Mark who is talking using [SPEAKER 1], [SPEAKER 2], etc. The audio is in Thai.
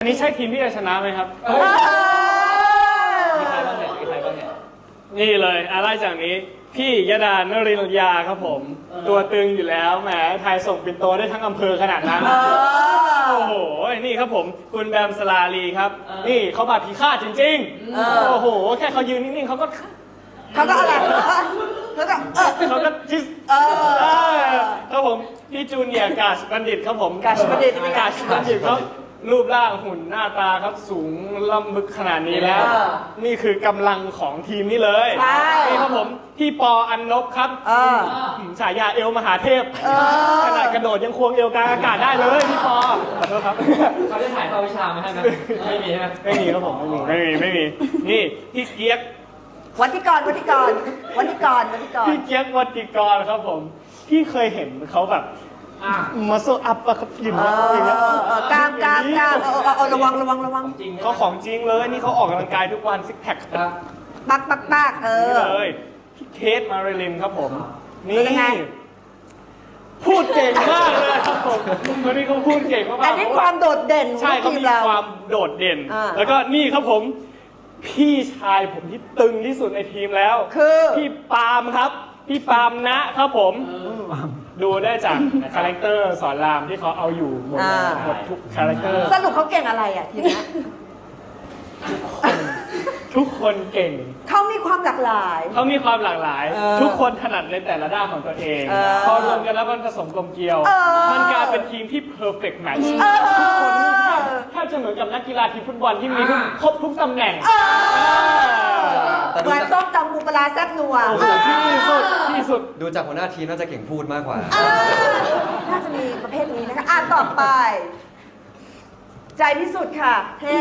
[SPEAKER 1] อันนี้ใช่ทีมที่จะชนะไหมครับมีใครบ้างเนี่ยนี่เลยอะไรจากนี้พี่ยดานรินยาครับผมตัวตึงอยู่แล้วแหมไทยส่งปินโตได้ทั้งอำเภอขนาดนั้นโอ้โหนี่ครับผมคุณแบมสลาลีครับนี่เขาบาดผีฆาตจริงๆโอ้โหแค่เขายืนนิ่งๆเขาก็
[SPEAKER 2] อะไร
[SPEAKER 1] เขาก็จิสครับผมพี่จูเนียร์กาชบัณฑิตครับผม
[SPEAKER 2] กาชบัณฑิต
[SPEAKER 1] เขารูปร่างหุ่นหน้าตาครับสูงล่ำบึกขนาดนี้แล้วนี่คือกำลังของทีมนี้เลยนี่ครับผมพี่ปออันนบครับฉายาเอวมหาเทพขนาดกระโดดยังควงเอวกลางอากาศได้เลยพี่ปอขอโทษครับ
[SPEAKER 3] เขาได้ถ่ายภาพวิชามาให้ไหมไม่มีใช่ไหม
[SPEAKER 1] ไม่มีครับผมไม่มีนี่พี่เกียก
[SPEAKER 2] วันที่ก่อนพี่เกียก
[SPEAKER 1] วัติกรครับผมพี่เคยเห็นเขาแบบมาโซอัพอะครับอย่างเงี้ย
[SPEAKER 2] กล้ามระวัง
[SPEAKER 1] เขาของจริงเลยนี่เขาออกกำลังกายทุกวันซิกแพค
[SPEAKER 2] ปัก
[SPEAKER 1] เลยพี่เคทมาริลินครับผมนี่พูดเก่งมากเลยครับผมวันนี้เขาพูดเก่งมาก
[SPEAKER 2] อันนี้ความโดดเด่น
[SPEAKER 1] ใช่เขามีความโดดเด่นแล้วก็นี่ครับผมพี่ชายผมที่ตึงที่สุดในทีมแล้ว
[SPEAKER 2] คือ
[SPEAKER 1] พี่ปาล์มครับพี่ปาล์มนะครับผมดูได้จากคาแรคเตอร์สอนรามที่เขาเอาอยู่หมดทุกคาแรคเตอร์
[SPEAKER 2] สรุปเขาเก่งอะไรอ่ะทีนี้
[SPEAKER 1] ทุกคนเก่ง
[SPEAKER 2] เขามีความหลากหลาย
[SPEAKER 1] ทุกคนถนัดในแต่ละด้านของตัวเองพอรวมกันแล้วมันผสมกลมเกลียวมันกลายเป็นทีมที่ perfect match ทุกคนแทบจะเหมือนกับนักกีฬาทีมฟุตบอลที่มีครบทุกตำแหน่ง
[SPEAKER 2] เหมือนส้มตำปูปลาแซ่บนัว
[SPEAKER 1] ที่สุด
[SPEAKER 3] ดูจากหัวหน้าทีมน่าจะเก่งพูดมากกว่า
[SPEAKER 2] น่าจะมีประเภทนี้นะคะต่อไปใจพิสุทธิ์ค่ะ